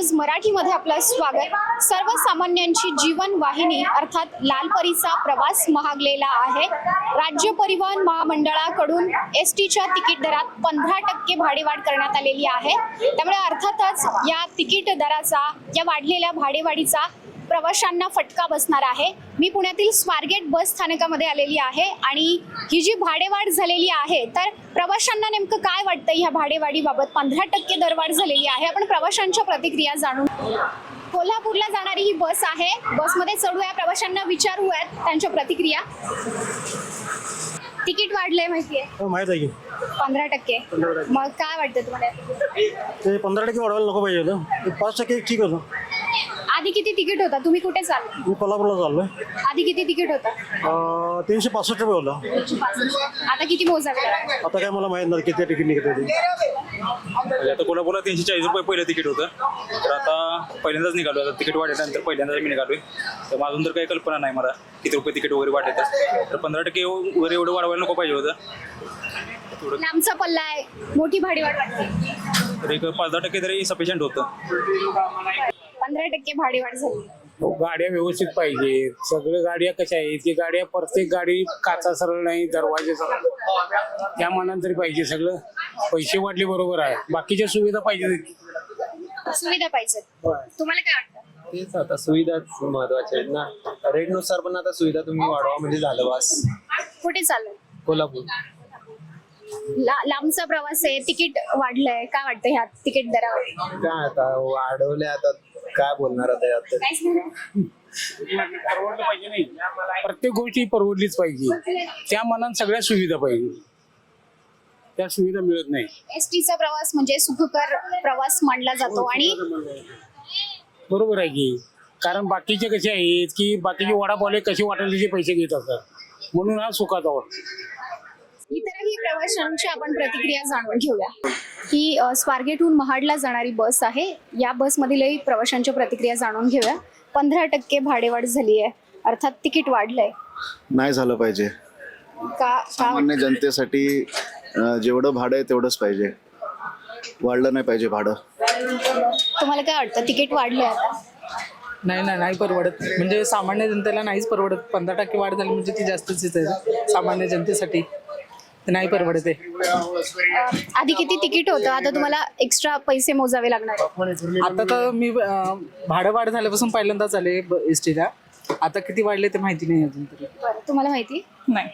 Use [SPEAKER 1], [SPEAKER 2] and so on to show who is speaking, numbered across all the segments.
[SPEAKER 1] News मराठीमध्ये आपलं स्वागत। सर्वसामान्यांची जीवन वाहिनी अर्थात लालपरीचा प्रवास महागलेला आहे। राज्य परिवहन महामंडळाकडून एसटीच्या तिकीट दरात 15% भाडेवाढ करण्यात आलेली आहे। त्यामुळे अर्थातच या तिकीट दराचा, या वाढलेल्या भाडेवाढीचा प्रवाशांना फटका बसणार आहे। मी पुण्यातील स्वारगेट बस स्थानकामध्ये आलेली आहे आणि ही जी भाडेवाढ झालेली आहे, तर प्रवाशांना नेमकं काय वाटतं ह्या भाडेवाढीबाबत? 15% दरवाढ झालेली आहे। आपण प्रवाशांच्या प्रतिक्रिया जाणून कोल्हापूरला जाणारी ही बस आहे। बसमध्ये चढूया, प्रवाशांना विचारूयात त्यांच्या प्रतिक्रिया। तिकीट वाढलंय माहिती आहे?
[SPEAKER 2] माहित आहे की
[SPEAKER 1] 15%। मग काय वाटतं तुम्हाला?
[SPEAKER 2] ते 15% वाढवायला नको पाहिजे होतं। 5% ठीक होतं।
[SPEAKER 1] आधी किती तिकीट होता? तुम्ही कुठे चालले?
[SPEAKER 2] मी कोल्हापूरला चाललोय।
[SPEAKER 1] आधी किती तिकीट होता?
[SPEAKER 2] 365 रुपये होता।
[SPEAKER 1] 365। आता किती मोजावे?
[SPEAKER 2] आता काय मला माहित नाही किती तिकीट निघत होती।
[SPEAKER 3] आता कोल्हापूरला 340 रुपये पहिलं तिकीट होतं, तर आता पहिल्यांदाच निघालो। आता तिकीट वाढल्यानंतर पहिल्यांदाच मी निघालोय, तर अजून तर काही कल्पना नाही मला किती रुपये तिकीट वगैरे वाढतात। तर 15% वगैरे एवढं वाढवायला नको पाहिजे होतं।
[SPEAKER 1] लांबचा पल्ला आहे, मोठी भाडेवाढ वाटते।
[SPEAKER 3] तर एक 5-10% तरी सफिशियंट होतं।
[SPEAKER 1] 15% भाडेवाढ झाली।
[SPEAKER 4] गाड्या व्यवस्थित पाहिजे। सगळ्या गाड्या कशा आहेत की गाड्या, प्रत्येक गाडी काचा सरळ नाही, दरवाजे सरळ, त्या मानाने तरी पाहिजे। सगळं पैसे वाढले बरोबर आहे, बाकीच्या सुविधा पाहिजे।
[SPEAKER 1] सुविधा पाहिजे। तुम्हाला काय वाटतं?
[SPEAKER 5] तेच आता सुविधाच महत्वाच्या आहेत ना। रेटनुसार पण आता सुविधा तुम्ही वाढवा म्हणजे झालं बस।
[SPEAKER 1] कुठे चाललंय?
[SPEAKER 5] कोल्हापूर।
[SPEAKER 1] लांबचा प्रवास आहे, तिकीट वाढलंय, काय वाटतं ह्या तिकीट दरावर?
[SPEAKER 5] काय आता वाढवले, आता काय बोलणार आता यात?
[SPEAKER 1] काहीच नाही।
[SPEAKER 4] परवडलं पाहिजे नाही, प्रत्येक गोष्टी परवडलीच पाहिजे। त्या मानाने सगळ्या सुविधा पाहिजे, त्या सुविधा मिळत नाही।
[SPEAKER 1] एसटीचा प्रवास म्हणजे सुखकर प्रवास मानला जातो आणि
[SPEAKER 4] बरोबर आहे की, कारण बाकीचे कसे आहेत की बाकीचे वडापावले कसे वाटेल त्याचे पैसे घेत असतात, म्हणून हा सुखाचा वाटतो।
[SPEAKER 1] इतरही प्रवाशांची आपण प्रतिक्रिया जाणून घेऊया। ही स्वारगेटहून महाडला जाणारी बस आहे। या बसमधीलही प्रवाशांच्या प्रतिक्रिया जाणून घेऊया। 15% भाडेवाढ झाली आहे, अर्थात तिकीट वाढलंय।
[SPEAKER 6] नाही झालं पाहिजे। सामान्य जनतेसाठी जेवढं भाडं आहे तेवढंच पाहिजे, वाढलं नाही पाहिजे भाडं।
[SPEAKER 1] तुम्हाला काय वाटतं? तिकीट वाढलंय आता?
[SPEAKER 7] नाही परवडत, म्हणजे सामान्य जनतेला नाहीच परवडत। 15% वाढ झाली म्हणजे ती जास्तच आहे सामान्य जनतेसाठी, नाही परवडत आहे।
[SPEAKER 1] आधी किती तिकीट होतं, आता तुम्हाला एक्स्ट्रा पैसे मोजावे लागणार?
[SPEAKER 7] आता तर मी भाडं वाढ झाल्यापासून पहिल्यांदाच आले एसटीला। आता किती वाढले ते माहिती नाही अजून तरी।
[SPEAKER 1] बरं, तुम्हाला माहिती
[SPEAKER 7] नाही।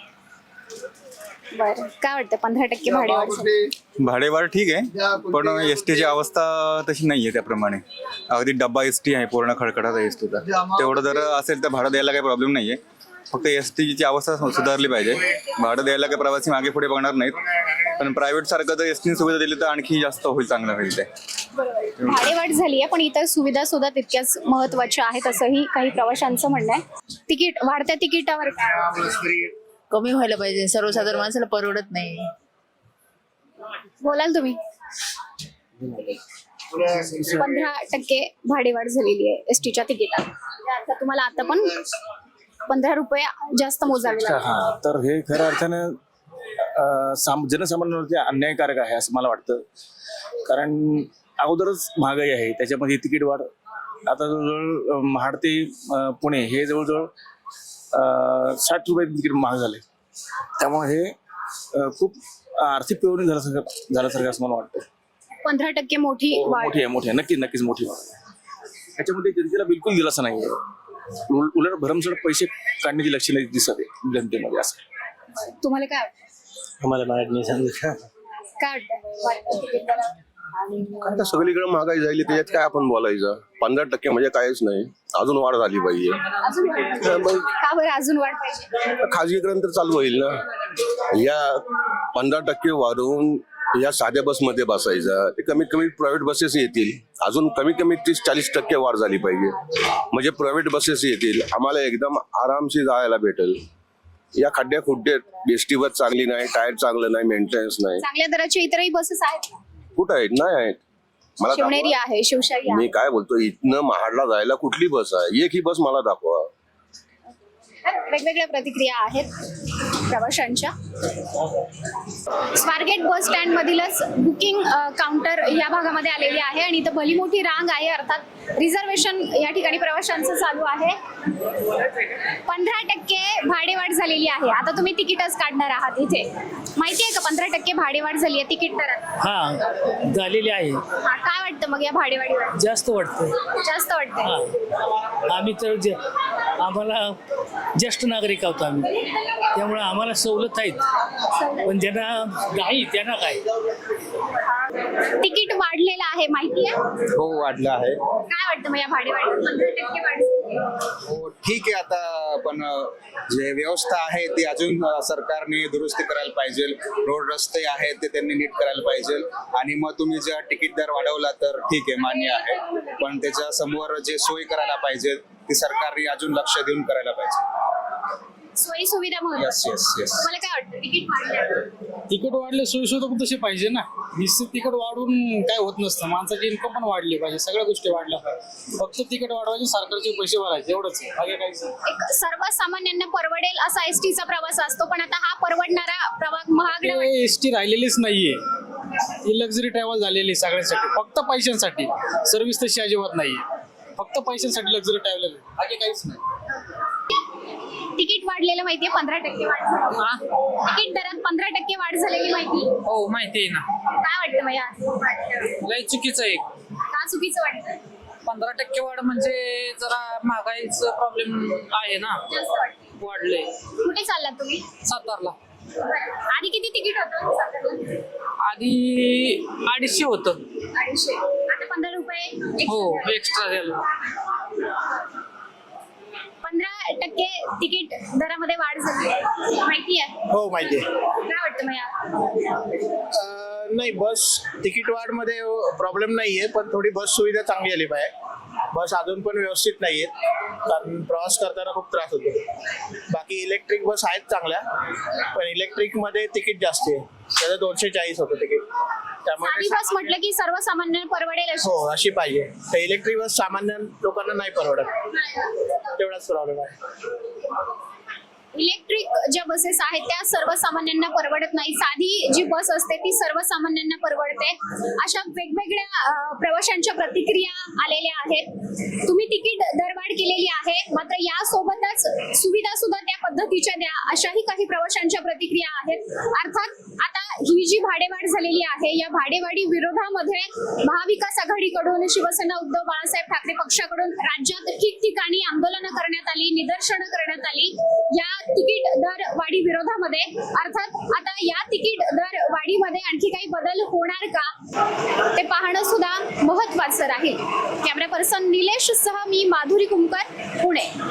[SPEAKER 1] बरं, काय वाटतं? 15% भाडेवाढ झाली।
[SPEAKER 8] भाडेवाढ ठीक आहे, पण एसटीची अवस्था तशी नाहीये त्याप्रमाणे। अगदी डब्बा एसटी आहे, पूर्ण खडखडाचा एसटीचा, तेवढं जर असेल तर भाडं द्यायला काही प्रॉब्लेम नाहीये। फक्त एसटीची अवस्था सुधारली पाहिजे। भाडं द्यायला काही प्रवासी मागे पुढे बघणार नाहीत, पण प्रायव्हेट सारखं जर एसटीने सुविधा दिली तर आणखी जास्त होईल, चांगलं होईल ते।
[SPEAKER 1] भाडेवाढ झाली आहे, पण इतर सुविधा सुद्धा तितक्याच महत्वाच्या आहेत असंही काही प्रवाशांचं म्हणणं आहे। तिकीट वाढत्या तिकिटावर काय
[SPEAKER 9] कमी व्हायला पाहिजे, सर्वसाधारण माणसाला परवडत नाही।
[SPEAKER 1] बोलाल तुम्ही? 15% भाडेवाढ झालेली आहे एसटीच्या तिकिटात। आता तुम्हाला आता पण 15 रुपये जास्त मोजावे लागतात।
[SPEAKER 10] तर हे खऱ्या अर्थानं जनसामान्यांवरती अन्यायकारक आहे असं मला वाटतं। कारण अगोदरच महागाई आहे, त्याच्यामध्ये तिकीट वाढ आता जवळजवळ महाड ते पुणे हे जवळजवळ 60 रुपये तिकीट महाग झाले। त्यामुळे हे खूप आर्थिक पिळवणी झाल्यासारखं असं मला वाटतं।
[SPEAKER 1] 15% मोठी वाढ
[SPEAKER 10] मोठी नक्कीच मोठी वाढ आहे। त्याच्यामध्ये जनतेला बिलकुल दिलासा नाहीये, उलट भरमसाठ पैसे काढण्याची लक्षणे दिसत आहे जनतेमध्ये। असं
[SPEAKER 1] तुम्हाला काय वाटतं?
[SPEAKER 2] आम्हाला माहित नाही सांगितलं
[SPEAKER 1] काय वाटतं?
[SPEAKER 11] आता सगळीकडे महागाई झाली, त्याच्यात काय आपण बोलायचं? 15% म्हणजे काहीच नाही, अजून वाढ झाली पाहिजे।
[SPEAKER 1] का बरं अजून वाढ पाहिजे?
[SPEAKER 11] खाजगीकरण तर चालू होईल ना। या 15% वाढवून या साध्या बसमध्ये बसायचं, ते कमीत कमी प्रायव्हेट बसेस येतील। अजून कमीत कमी 30-40% वाढ झाली पाहिजे, म्हणजे प्रायव्हेट बसेस येतील, आम्हाला एकदम आरामशी जायला भेटेल। या खड्ड्या खुड्ड्यात एसटी बस चांगली नाही, टायर चांगलं नाही, मेंटेनन्स नाही।
[SPEAKER 1] चांगल्या दराचे इतरही बसेस आहेत?
[SPEAKER 11] कुठं आहेत? नाही आहेत। मला
[SPEAKER 1] शिवनेरी आहे, शिवशाही आहे।
[SPEAKER 11] मी काय बोलतो, इथनं महाडला जायला कुठली बस आहे? एक ही बस मला दाखवा।
[SPEAKER 1] वेगवेगळ्या प्रतिक्रिया आहेत। प्रवाशांच्या. स्वारगेट बस स्टँड मधीलच बुकिंग काउंटर या भागामध्ये आलेली आहे आणि इथं भली मोठी रांग आहे, अर्थात रिझर्वेशन या ठिकाणी प्रवाशांचं चालू आहे. 15% भाडेवाढ झालेली आहे. आता तुम्ही तिकीटच काढणार आहात इथे, माहिती आहे का 15% भाडेवाढ झाली आहे तिकीट दरात?
[SPEAKER 7] हा झालेली आहे.
[SPEAKER 1] काय वाटतं मग या भाडेवाढीवर?
[SPEAKER 7] जास्त वाटतं.
[SPEAKER 1] जास्त वाटतंय.
[SPEAKER 7] आम्ही तर आम्हाला ज्येष्ठ नागरिक आहोत आम्ही, त्यामुळे आम्हाला सवलत आहेत, पण ज्यांना नाही त्यांना काय.
[SPEAKER 1] तिकीट वाढलेलं आहे माहिती आहे?
[SPEAKER 5] हो वाढलं आहे.
[SPEAKER 1] काय वाटतं मग या भाडेवाढीवर? 15% वाढ झाली आहे.
[SPEAKER 8] हो ठीक आहे, आता पण जे व्यवस्था आहे ती अजून सरकारने दुरुस्ती करायला पाहिजे. रोड रस्ते आहेत ते त्यांनी नीट करायला पाहिजे. आणि मग तुम्ही जर तिकीट दर वाढवला तर ठीक आहे, मान्य आहे, पण त्याच्या समोर जे सोय करायला पाहिजे ती सरकारने अजून लक्ष देऊन करायला पाहिजे.
[SPEAKER 1] सोयी सुविधा
[SPEAKER 8] येस येस येस.
[SPEAKER 1] मला काय वाटतं तिकीट वाढलं?
[SPEAKER 4] तिकीट वाढले, सोयीसुविधा पण तशी पाहिजे ना. निश्चित तिकीट वाढून काय होत नसतं, माणसाची इन्कम पण वाढली पाहिजे, सगळ्या गोष्टी वाढल्या पाहिजे. फक्त तिकीट वाढवायचे, सरकारचे पैसे भरायचे, एवढंच आहे, बाकी काहीच नाही.
[SPEAKER 1] एक सर्वसामान्यांना परवडेल असा एसटीचा प्रवास असतो, पण आता हा परवडणारा प्रवास महागडा वाटतो.
[SPEAKER 4] एसटी राहिलेलीच नाहीये, ही लक्झरी ट्रॅव्हल झालेली सगळ्यांसाठी, फक्त पैशांसाठी. सर्व्हिस तशी अजिबात नाहीये, फक्त पैशांसाठी लक्झरी ट्रॅव्हल, बाकी काहीच नाही.
[SPEAKER 1] तिकीट वाढलेलं माहितीये? 15% वाढ झाली. तिकीट दरात 15% वाढ झालेली माहिती?
[SPEAKER 7] हो माहिती आहे ना.
[SPEAKER 1] काय वाटतं मग या?
[SPEAKER 7] लय चुकीचं आहे.
[SPEAKER 1] का चुकीचं वाटतं?
[SPEAKER 7] 15% वाढ म्हणजे जरा महागाईचा प्रॉब्लेम आहे ना,
[SPEAKER 1] जास्त वाटतं.
[SPEAKER 7] वाढले.
[SPEAKER 1] कुठे चाललात तुम्ही?
[SPEAKER 7] सातारला
[SPEAKER 1] आधी किती तिकीट होतं सातारला?
[SPEAKER 7] आधी 250 होतं.
[SPEAKER 1] 250. आता 15 रुपये
[SPEAKER 7] हो
[SPEAKER 1] extra.
[SPEAKER 7] एक्स्ट्रा झालं.
[SPEAKER 1] 15% तिकीट दरामध्ये वाढ झाली माहिती आहे?
[SPEAKER 2] हो माहिती आहे.
[SPEAKER 1] काय वाटतं मग या?
[SPEAKER 2] नाही, बस तिकीट वाढमध्ये प्रॉब्लेम नाही आहे, पण थोडी बस सुविधा चांगली आली पाहिजे. बस अजून पण व्यवस्थित नाही आहेत, कारण प्रवास करताना खूप त्रास होतो. बाकी इलेक्ट्रिक बस आहेत चांगल्या, पण इलेक्ट्रिकमध्ये तिकीट जास्त आहे, त्याचं 240 होतं तिकीट.
[SPEAKER 1] साधी
[SPEAKER 2] त्यामुळे
[SPEAKER 1] बस म्हटलं की सर्वसामान्यांना परवडेल अशी.
[SPEAKER 2] हो अशी पाहिजे. तर इलेक्ट्रिक बस सामान्य लोकांना नाही परवडत, तेवढाच प्रॉब्लेम आहे.
[SPEAKER 1] इलेक्ट्रिक ज्या बसेस आहेत त्या सर्वसामान्यांना परवडत नाही, साधी जी बस असते ती सर्वसामान्यांना परवडते. अशा वेगवेगळ्या प्रवाशांच्या प्रतिक्रिया आलेल्या आहेत. तुम्ही तिकीट दरवाढ केलेली आहे, मात्र यासोबतच सुविधा सुद्धा त्या पद्धतीच्या द्या, अशाही काही प्रवाशांच्या प्रतिक्रिया आहेत. अर्थात आता ही जी भाडेवाढ झालेली आहे, या भाडेवाढी विरोधामध्ये महाविकास आघाडीकडून, शिवसेना उद्धव बाळासाहेब ठाकरे पक्षाकडून राज्यात ठिकठिकाणी आंदोलनं करण्यात आली, निदर्शनं करण्यात आली या तिकीट दर वाढी विरोधामध्ये. अर्थात आता या तिकीट दर वाढीमध्ये आणखी काही बदल होणार का ते पाहणं सुद्धा महत्त्वाचं राहील. कॅमेरा पर्सन निलेश सह मी माधुरी कुमकर, पुणे.